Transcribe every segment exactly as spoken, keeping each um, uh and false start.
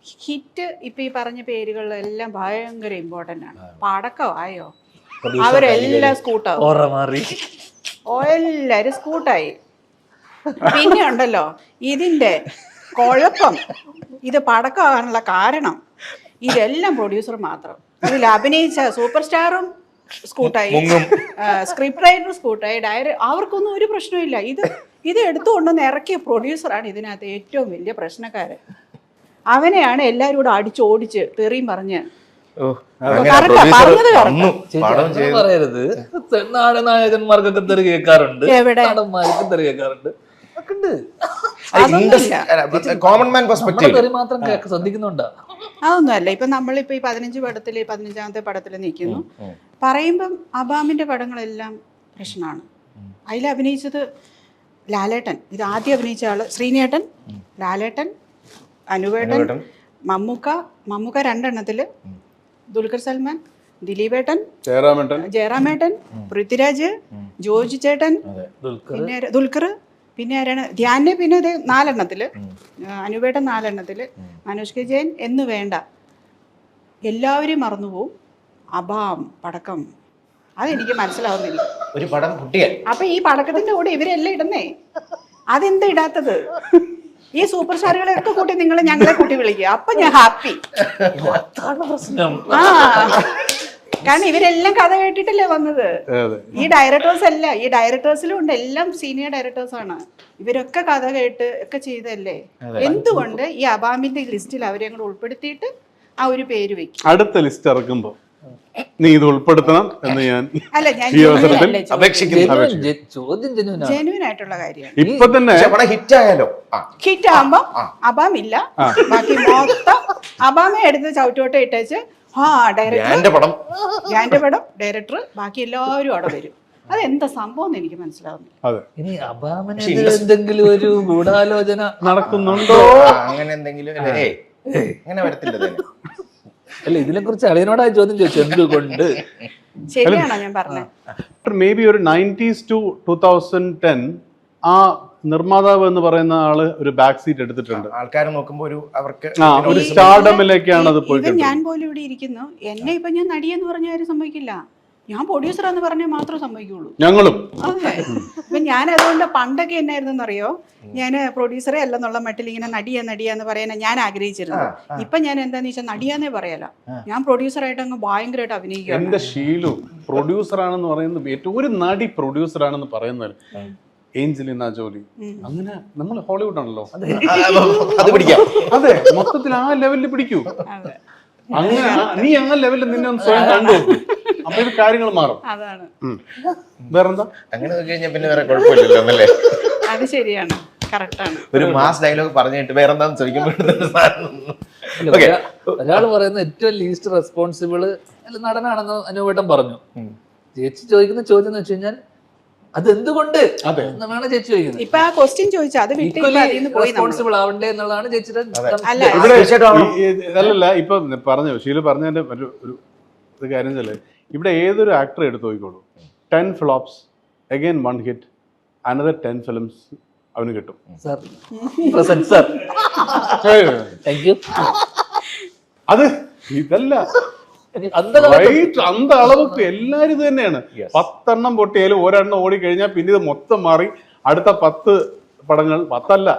Hit ഇപ്പൊ ഈ പറഞ്ഞ പേരുകളിലെല്ലാം ഭയങ്കര ഇമ്പോർട്ടന്റ് ആണ്. പടക്കമായോ അവരെല്ലാം സ്കൂട്ടാവും, എല്ലാരും സ്കൂട്ടായി. പിന്നെ ഉണ്ടല്ലോ ഇതിന്റെ കുഴപ്പം, ഇത് പടക്കമാകാനുള്ള കാരണം ഇതെല്ലാം പ്രൊഡ്യൂസർ മാത്രം. ഇതിൽ അഭിനയിച്ച സൂപ്പർ സ്റ്റാറും സ്കൂട്ടായി, സ്ക്രിപ്റ്റ് റൈറ്ററും സ്കൂട്ടായി, ഡയറ അവർക്കൊന്നും ഒരു പ്രശ്നമില്ല. ഇത് ഇത് എടുത്തുകൊണ്ടൊന്ന് ഇറക്കിയ പ്രൊഡ്യൂസറാണ് ഇതിനകത്ത് ഏറ്റവും വലിയ പ്രശ്നക്കാരൻ. അവനെയാണ് എല്ലാവരും കൂടെ അടിച്ചോടിച്ച് തെറിയും പറഞ്ഞ് പറയരുത്. നായകന്മാർക്കൊക്കെ തെറി കേൾക്കാറുണ്ട്, നടന്മാർക്കും തെറി കേൾക്കാറുണ്ട്. കോമൺ മാൻ പെർസ്പെക്റ്റീവ് മാത്രം ശ്രദ്ധിക്കുന്നുണ്ടോ? അതൊന്നും അല്ല. ഇപ്പൊ നമ്മളിപ്പോ ഈ പതിനഞ്ച് പടത്തില് പതിനഞ്ചാമത്തെ പടത്തിൽ നിൽക്കുന്നു പറയുമ്പം അബാമിന്റെ പടങ്ങളെല്ലാം പ്രശ്നമാണ്. അതിൽ അഭിനയിച്ചത് ലാലേട്ടൻ, ഇത് ആദ്യം അഭിനയിച്ച ആള് ശ്രീനേട്ടൻ, ലാലേട്ടൻ, അനുവേട്ടൻ, മമ്മൂക്ക, മമ്മൂക്ക രണ്ടെണ്ണത്തില്, ദുൽഖർ സൽമാൻ, ദിലീപേട്ടൻ, ജയറാമേട്ടൻ, ജയറാമേട്ടൻ, പൃഥ്വിരാജ്, ജോർജ് ചേട്ടൻ, പിന്നെ ദുൽഖർ, പിന്നെ ആരാണ് ധ്യാനെ, പിന്നെ ഇത് നാലെണ്ണത്തില്, അനുവേട്ടൻ നാലെണ്ണത്തില്, മനോജ് കെ ജയൻ എന്ന് വേണ്ട എല്ലാവരും മറന്നുപോകും. അബാം പടക്കം അതെനിക്ക് മനസ്സിലാവുന്നില്ല. ഒരു പടം കുട്ടിയെ അപ്പൊ ഈ പടക്കത്തിന്റെ കൂടെ ഇവരെല്ലാം ഇടുന്നേ, അതെന്താ ഇടാത്തത്? ഈ സൂപ്പർ സ്റ്റാറുകളെയൊക്കെ കൂട്ടി നിങ്ങൾ ഞങ്ങളെ കൂട്ടി വിളിക്കുക, അപ്പൊ ഞാൻ ഹാപ്പി. ആ കാരണം ഇവരെല്ലാം കഥ കേട്ടിട്ടല്ലേ വന്നത്. ഈ ഡയറക്ടേഴ്സ് അല്ല, ഈ ഡയറക്ടേഴ്സിലും ഉണ്ട്, എല്ലാം സീനിയർ ഡയറക്ടേഴ്സ് ആണ്. ഇവരൊക്കെ കഥ കേട്ട് ഒക്കെ ചെയ്തല്ലേ. എന്തുകൊണ്ട് ഈ അബാമിന്റെ ലിസ്റ്റിൽ അവരെ കൂടെ ഉൾപ്പെടുത്തിയിട്ട് ആ ഒരു പേര് വെക്കും? അടുത്ത ലിസ്റ്റ് ഇറക്കുമ്പോ നീ ഇത് ഉൾപ്പെടുത്തണം എന്ന് ഞാൻ അല്ല, ഞാൻ ജെന്യൂൻ ആയിട്ടുള്ള കാര്യമാണ്. ഇപ്പൊ തന്നെ ഹിറ്റ് ആയാലോ, ഹിറ്റ് ആകുമ്പോ അബാം ഇല്ല, ബാക്കി മൊത്തം അബാമെ എടുത്ത് ചവിട്ടോട്ടെ ഇട്ടേച്ച് ആ ഡയറക്ടർ പടം ഞാന്റെ പടം ഡയറക്ടർ ബാക്കി എല്ലാവരും അവിടെ വരും. അതെന്താ സംഭവം എന്ന് എനിക്ക് മനസ്സിലാവുന്നില്ല. ഇനി അബാമിന് എന്തെങ്കിലും ഒരു ഗൂഢാലോചന നടക്കുന്നുണ്ടോ അങ്ങനെ എന്തെങ്കിലും? അങ്ങനെ വരത്തില്ല. അല്ല, ഇതിനെ കുറിച്ച് അളിയനോടാ ചോദ്യം ചോദിച്ചു, എന്തുകൊണ്ട്? ശരിയാണോ ഞാൻ പറഞ്ഞത്? മേ ബി ഒരു nineties to two thousand ten ആ നിർമ്മാതാവ് എന്ന് പറയുന്ന ആള് ഒരു ബാക്ക് സീറ്റ് എടുത്തിട്ടുണ്ട്. ആൾക്കാർ നോക്കുമ്പോ ഒരു അവർക്ക് ഒരു സ്റ്റാർഡമിലേക്കാണ് അത് പോയിട്ട്. ഞാൻ പോലും ഇവിടെ ഇരിക്കുന്നു, എന്നെ ഇപ്പൊ ഞാൻ നടിയെന്ന് പറഞ്ഞ ആരും സമ്മതിക്കില്ല, ഞാൻ പ്രൊഡ്യൂസർ എന്ന് പറഞ്ഞാൽ മാത്രമേ സമ്മതിക്കുള്ളൂ. ഞങ്ങളും അതെ. ഇപ്പൊ ഞാൻ അതുകൊണ്ട് പണ്ടൊക്കെ എന്നായിരുന്നു അറിയോ, ഞാൻ പ്രൊഡ്യൂസറെ അല്ലെന്നുള്ള മട്ടിൽ ഇങ്ങനെ നടിയ നടിയ എന്ന് പറയാൻ ഞാൻ ആഗ്രഹിച്ചിരുന്നു. ഇപ്പൊ ഞാൻ എന്താന്ന് വെച്ചാൽ നടിയാന്നേ പറയാലോ, ഞാൻ പ്രൊഡ്യൂസറായിട്ട് അങ്ങ് ഭയങ്കരമായിട്ട് അഭിനയിക്കുക. എന്റെ ഷീലു പ്രൊഡ്യൂസർ ആണെന്ന് പറയുന്നത് ഏറ്റവും ഒരു നടി പ്രൊഡ്യൂസർ ആണെന്ന് പറയുന്നത് ഏഞ്ചലിന ജോലി. അങ്ങനെ നമ്മൾ ഹോളിവുഡ് ആണല്ലോ, അതെ, മൊത്തത്തിൽ ആ ലെവലിൽ പിടിക്കൂ. അങ്ങനെ നീ ആ ലെവലിൽ നിന്നെ ഒന്ന് സ്വയം കണ്ടു, അപ്പൊ ഇത് കാര്യങ്ങൾ മാറും. അതാണ് വേറെന്താ? അങ്ങനെ കഴിഞ്ഞാൽ പിന്നെ വേറെ കുഴപ്പമില്ലല്ലോ എന്നല്ലേ? അത് ശരിയാണ്, കറക്റ്റാണ്. ഒരു മാസ് ഡയലോഗ് പറഞ്ഞിട്ട് വേറെന്താന്ന് ചോദിക്കുമ്പോൾ ഒരാള് പറയുന്ന ഏറ്റവും ലീസ്റ്റ് റെസ്പോൺസിബിള് നടനാണെന്ന് അനുവേട്ടൻ പറഞ്ഞു. ചേച്ചി ചോദിക്കുന്ന ചോദ്യം എന്ന് വെച്ച് കഴിഞ്ഞാൽ അതെന്തുകൊണ്ട് എന്നാണ് ചേച്ചി ചോദിക്കുന്നത്. ഇപ്പൊ ആ ക്വസ്റ്റ്യൻ ചോദിച്ചാൽ അത് റെസ്പോൺസിബിൾ ആവണ്ടേ എന്നുള്ളതാണ് ചേച്ചിയുടെ. അല്ലല്ല, ഇപ്പൊ പറഞ്ഞു ഷീല പറഞ്ഞതിന്റെ ഒരു ഒരു കാര്യം വെച്ചാല് ഇവിടെ ഏതൊരു ആക്ടർ എടുത്ത് നോക്കിക്കോളൂ, ten flops again one hit, another ten films അവന് കിട്ടും. അത് ഇതല്ല അന്ത അളവൊക്കെ എല്ലാരും ഇത് തന്നെയാണ്. പത്തെണ്ണം പൊട്ടിയാലും ഒരെണ്ണം ഓടി കഴിഞ്ഞാൽ പിന്നെ ഇത് മൊത്തം മാറി അടുത്ത പത്ത് പടങ്ങൾ, പത്തല്ല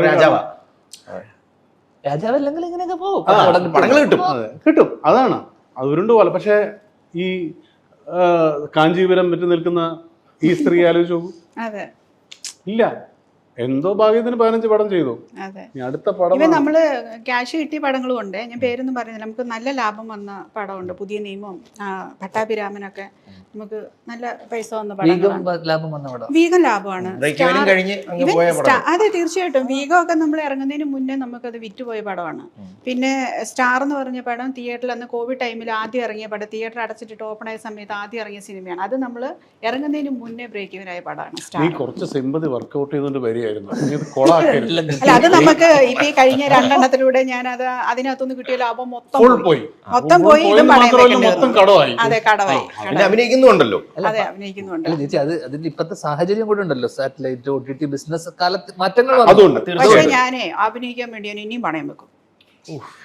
രാജാവല്ലെങ്കിൽ ഇങ്ങനെയൊക്കെ പോകും, പടങ്ങൾ കിട്ടും. കിട്ടും, അതാണ് അത് ഉരുണ്ടു പോലെ. പക്ഷെ ഈ കാഞ്ചീപുരം പറ്റി നിൽക്കുന്ന ഈ സ്ത്രീ ആലോചിച്ചു ഇല്ല, എന്തോ ഭാഗ്യത്തിന് പതിനഞ്ച് പടം ചെയ്തു. അടുത്ത പടം നമ്മള് ക്യാഷ് കിട്ടിയ പടങ്ങളും ഉണ്ട്, ഞാൻ പേരൊന്നും പറയുന്നില്ല. നമുക്ക് നല്ല ലാഭം വന്ന പടമുണ്ട്, പുതിയ നിയമം, പട്ടാഭിരാമനൊക്കെ നമുക്ക് നല്ല പൈസ വന്ന പടം. വീഗം ലാഭമാണ്. അതെ, തീർച്ചയായിട്ടും വീഗം ഒക്കെ നമ്മൾ ഇറങ്ങുന്നതിന് മുന്നേ നമുക്കത് വിറ്റുപോയ പടമാണ്. പിന്നെ സ്റ്റാർ എന്ന് പറഞ്ഞ പടം തിയേറ്ററിൽ അന്ന് കോവിഡ് ടൈമിൽ ആദ്യം ഇറങ്ങിയ പടം, തിയേറ്റർ അടച്ചിട്ട് ഓപ്പൺ ആയ സമയത്ത് ആദ്യം ഇറങ്ങിയ സിനിമയാണ്. അത് നമ്മൾ ഇറങ്ങുന്നതിന് മുന്നേ ബ്രേക്ക് ഇവനായ പടമാണ് സ്റ്റാർ. കുറച്ച് സിമ്പതി വർക്ക്ഔട്ട് ചെയ്തുകൊണ്ട് വരികയായിരുന്നു. അല്ല, അത് നമുക്ക് ഇപ്പൊ ഈ കഴിഞ്ഞ രണ്ടെണ്ണത്തിലൂടെ ഞാൻ അത് അതിനകത്തുനിന്ന് കിട്ടിയ ലാഭം മൊത്തം പോയി മൊത്തം പോയി ഇതും അതെ, കടവായി. അഭിനയിക്കുന്നുണ്ടല്ലോ. അതെ, അഭിനയിക്കുന്നുണ്ട്. ചേച്ചി അത് അതിന്റെ ഇപ്പത്തെ സാഹചര്യം കൂടെ ഉണ്ടല്ലോ, satellite O T T business കാലത്ത് മാറ്റങ്ങൾ. പക്ഷെ ഞാനേ അഭിനയിക്കാൻ വേണ്ടി ഞാൻ ഇനിയും പണയം വെക്കും.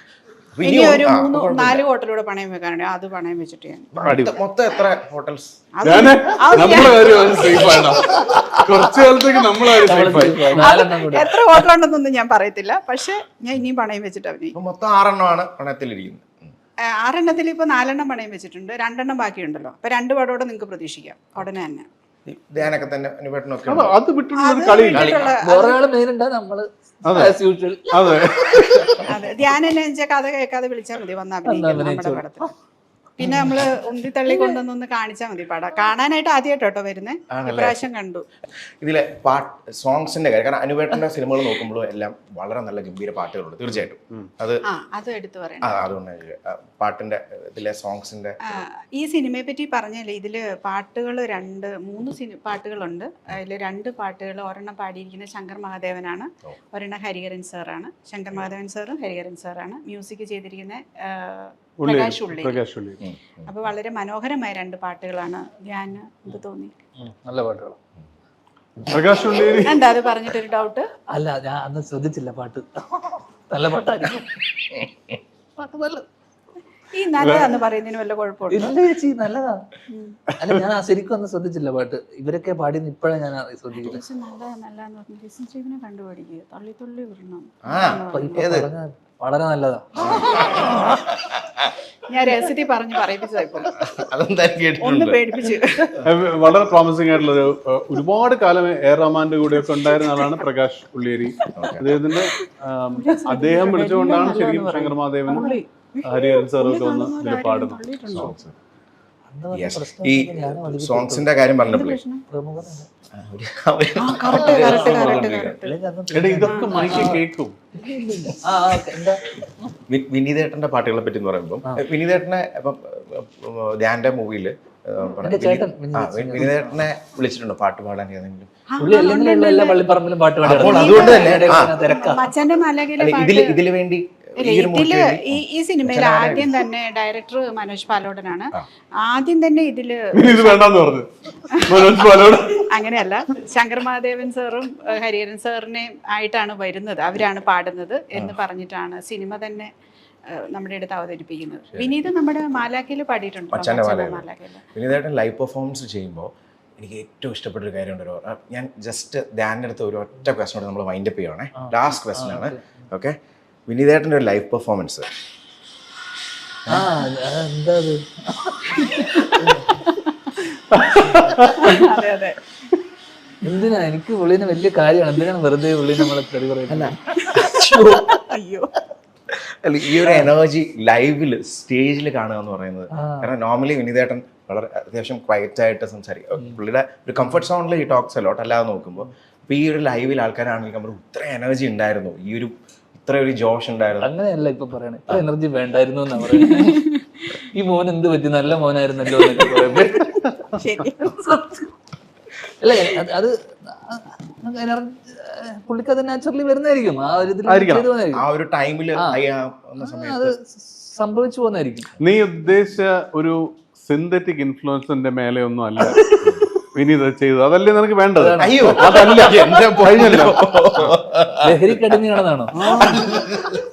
ഇനി ഒരു മൂന്ന് നാല് ഹോട്ടലൂടെ പണയം വെക്കാനുണ്ട്, അത് പണയം വെച്ചിട്ട് ഞാൻ മൊത്തം- മൊത്തം എത്ര ഹോട്ടൽസ്? ഞാന് നമ്മളെ കാര്യം സേഫ് ആണ്. കുറച്ചു കാലത്തേക്ക് നമ്മളെ കാര്യം സേഫ് ആയി. നാലെണ്ണം കൂടെ. എത്ര ഹോട്ടലുണ്ടെന്നൊന്നും ഞാൻ പറയത്തില്ല, പക്ഷെ ഞാൻ ഇനിയും പണയം വെച്ചിട്ട് അഭിനയിക്കും. ഇപ്പൊ മൊത്തം ആറെണ്ണമാണ് പണയത്തിലിരിക്കുന്നത്. ആ, ആറെണ്ണത്തിൽ ഇപ്പൊ നാലെണ്ണം പണയം വെച്ചിട്ടുണ്ട്, രണ്ടെണ്ണം ബാക്കിയുണ്ടല്ലോ. അപ്പൊ രണ്ട് പടോടെ നിങ്ങൾക്ക് പ്രതീക്ഷിക്കാം ഉടനെ തന്നെ. ഈ ധ്യാനൊക്കെ തന്നെ അനുപേട്ടനൊക്കെ അത് അത് വിട്ടിട്ടുള്ളൊരു കളിയില്ല. വേറെ ആള് മെയിനുണ്ട്, നമ്മള് as usual. അതെ അതെ, ധ്യാനം എന്നെ വെച്ചാൽ കഥ കേൾക്കാതെ വിളിച്ചാൽ മതി, വന്ന് അഭിനയിക്കാം നമ്മുടെ പടത്തിൽ. പിന്നെ നമ്മള് ഉന്തി തള്ളി കൊണ്ടുവന്നൊന്ന് കാണിച്ചാൽ മതി പടം. കാണാനായിട്ട് ആദ്യമായിട്ട് കേട്ടോ വരുന്നേ, ഇപ്രാവശ്യം കണ്ടു. ഇതിലെ പാട്ട് സോങ്സിന്റെ കാര്യം, കാരണം അനുപേട്ടന്റെ സിനിമകൾ നോക്കുമ്പോഴും എല്ലാം വളരെ നല്ല ഗംഭീര പാട്ടുകളുണ്ട് തീർച്ചയായിട്ടും. അത് ആ അത് എടുത്തു പറയണം. ആ, അതുകൊണ്ട് ആ, പാട്ടിന്റെ ഇതിലെ സോങ്സിന്റെ ആ, ഈ സിനിമയെ പറ്റി പറഞ്ഞല്ലേ, ഇതില് പാട്ടുകൾ രണ്ട് മൂന്ന് സിനി പാട്ടുകളുണ്ട്. അതിൽ രണ്ട് പാട്ടുകൾ, ഒരെണ്ണം പാടിയിരിക്കുന്നത് ശങ്കർ മഹാദേവനാണ്, ഒരെണ്ണം ഹരിഹരൻ സാറാണ്. ശങ്കർ മഹാദേവൻ സാറും ഹരിഹരൻ സാറാണ്. മ്യൂസിക് ചെയ്തിരിക്കുന്ന പ്രകാശ് ഉള്ളി. പ്രകാശ് ഉള്ളി. അപ്പൊ വളരെ മനോഹരമായ രണ്ട് പാട്ടുകളാണ്. ഞാൻ എന്ത് തോന്നി, ഉം, നല്ല പാട്ടുകൾ. പ്രകാശ് ഉള്ളി. എന്താ അത് പറഞ്ഞിട്ടൊരു ഡൗട്ട്? അല്ല, ഞാൻ അന്ന് ശ്രദ്ധിച്ചില്ല പാട്ട്. നല്ല പാട്ടായിരിക്കും. പാട്ട് നല്ല ഈ നല്ലതാന്ന് പറയുന്നതിന് വല്ല കുഴപ്പമുണ്ടോ? ഇല്ല ചേച്ചി, നല്ലതാ. അല്ല, ഞാൻ ആ ശരിക്കും ഒന്നും ശ്രദ്ധിച്ചില്ല പാട്ട്. ഇവരൊക്കെ പാടിയെന്ന് ഇപ്പഴാ ഞാൻ ശ്രദ്ധിക്കുന്നത്. പക്ഷെ നല്ലതാ നല്ലതാന്ന് പറഞ്ഞു ലിസൺ സ്റ്റീവിനെ കണ്ടുപിടിക്കുക, തള്ളി തുള്ളി വിടണം. വളരെ നല്ലതാ. ഞാൻ രഹസ്യത്തിൽ പറഞ്ഞു പറയിപ്പിച്ചതായിപ്പോ, അതെന്താ ഒന്ന് കേട്ടിട്ടുണ്ട്. പേടിപ്പിച്ചു. വളരെ പ്രോമിസിംഗ് ആയിട്ടുള്ള ഒരു ഒരുപാട് കാലം എ റഹ്മാന്റെ കൂടെയൊക്കെ ഉണ്ടായിരുന്ന ആളാണ് പ്രകാശ് ഉള്ളിയേരി. അദ്ദേഹത്തിന്റെ ആം, അദ്ദേഹം വിളിച്ചുകൊണ്ടാണ് ശരിക്കും ശങ്കർ മഹാദേവനും ഹരിഹരൻ സാറൊക്കെ വന്ന് ഇതിൽ പാടുന്നത്. Yes. ഈ സോങ്സിന്റെ കാര്യം പറഞ്ഞപ്പോഴേ എടാ, ഇതൊക്കെ മൈക്ക് കേൾക്കും. വിനീതേട്ടന്റെ പാട്ടുകളെ പറ്റി എന്ന് പറയുമ്പോൾ വിനീതേട്ടനെ ഇപ്പം ധ്യാന്റെ മൂവിയില് വിനീതേട്ടനെ വിളിച്ചിട്ടുണ്ടോ പാട്ട് പാടാൻ ഏതെങ്കിലും? പുള്ളി അല്ലെങ്കിലും എല്ലാ പള്ളിപ്പറമ്പിലും പാട്ട് പാടി. അപ്പോൾ അതുകൊണ്ട് തന്നെ തിരക്കാ. മച്ചാന്റെ മലകിലെ അല്ല, ഇതില് ഇതില് വേണ്ടി ഇതില് ഈ ഈ സിനിമയിൽ ആദ്യം തന്നെ ഡയറക്ടർ മനോജ് പാലോടനാണ്. ആദ്യം തന്നെ ഇതില് ഇത് വേണ്ടെന്ന് പറഞ്ഞു മനോജ് പാലോട്. അങ്ങനെയല്ല, ശങ്കർ മഹാദേവൻ സാറും ഹരിഹരൻ സാറിനെയും ആയിട്ടാണ് വരുന്നത്, അവരാണ് പാടുന്നത് എന്ന് പറഞ്ഞിട്ടാണ് സിനിമ തന്നെ നമ്മുടെ അടുത്ത് അവതരിപ്പിക്കുന്നത്. വിനീത് നമ്മുടെ മാലാഖയിൽ പാടിയിട്ടുണ്ട്. വിനീതേട്ടൻ ലൈവ് പെർഫോമൻസ് ചെയ്യുമ്പോൾ എനിക്ക് ഏറ്റവും ഇഷ്ടപ്പെട്ട ഒരു കാര്യമുണ്ട്. ഒരു ഞാൻ ജസ്റ്റ് ധ്യാനിൻ്റെ അടുത്ത് ഒരു ഒറ്റ ക്വസ്റ്റനോട് നമ്മൾ വൈൻഡപ്പ് ചെയ്യുവാണേ, ലാസ്റ്റ് ക്വസ്റ്റൻ ആണ്. ഓക്കെ, വിനീതേട്ടൻ്റെ ഒരു ലൈവ് പെർഫോമൻസ്. അതെ അതെ, എന്തിനാ? എനിക്ക് പുള്ളിനെ വലിയ കാര്യമാണ്. എന്തിനാണ് വെറുതെ പുള്ളി നമ്മളെ തെറി പറയുന്നത്? അയ്യോ, അല്ല, ഈ ഒരു എനർജി ലൈവിൽ സ്റ്റേജിൽ കാണുക എന്ന് പറയുന്നത്, കാരണം നോർമലി വിനീതേട്ടൻ വളരെ അത്യാവശ്യം ക്വയറ്റ് ആയിട്ട് സംസാരിക്കും. പുള്ളിയുടെ ഒരു കംഫർട്ട് സോണിൽ ഈ ടോക്സ് അലോട്ട് അല്ലാതെ നോക്കുമ്പോൾ, അപ്പോൾ ഈ ഒരു ലൈവിൽ ആൾക്കാരാണെങ്കിൽ നമ്മൾ ഇത്ര എനർജി ഉണ്ടായിരുന്നു, ഈ ഒരു ഇത്ര ഒരു ജോഷ് ഉണ്ടായിരുന്നു. അങ്ങനെയല്ല ഇപ്പൊ പറയണേ, ഇത്ര എനർജി വേണ്ടായിരുന്നു എന്നാ പറയുന്നത്. ഈ മോൻ എന്ത് പറ്റി, നല്ല മോനായിരുന്നല്ലോ എന്നൊക്കെ പറയുമ്പോ അല്ലേ, അത് പുള്ളിക്ക് അത് നാച്ചുറലി വരുന്നതായിരിക്കും. ആ ഒരു ആ ഒരു ടൈമില് അത് സംഭവിച്ചു പോകുന്നതായിരിക്കും. നീ ഉദ്ദേശിച്ച ഒരു സിന്തറ്റിക് ഇൻഫ്ലുവൻസിന്റെ മേലെ ഒന്നും അല്ല വിനീത് ചെയ്തത്. അതല്ലേ നിനക്ക് വേണ്ടത്? അയ്യോ, അതല്ല, കഴിഞ്ഞല്ലോ. ലഹരിക്കടിമയാണെന്നാണോ?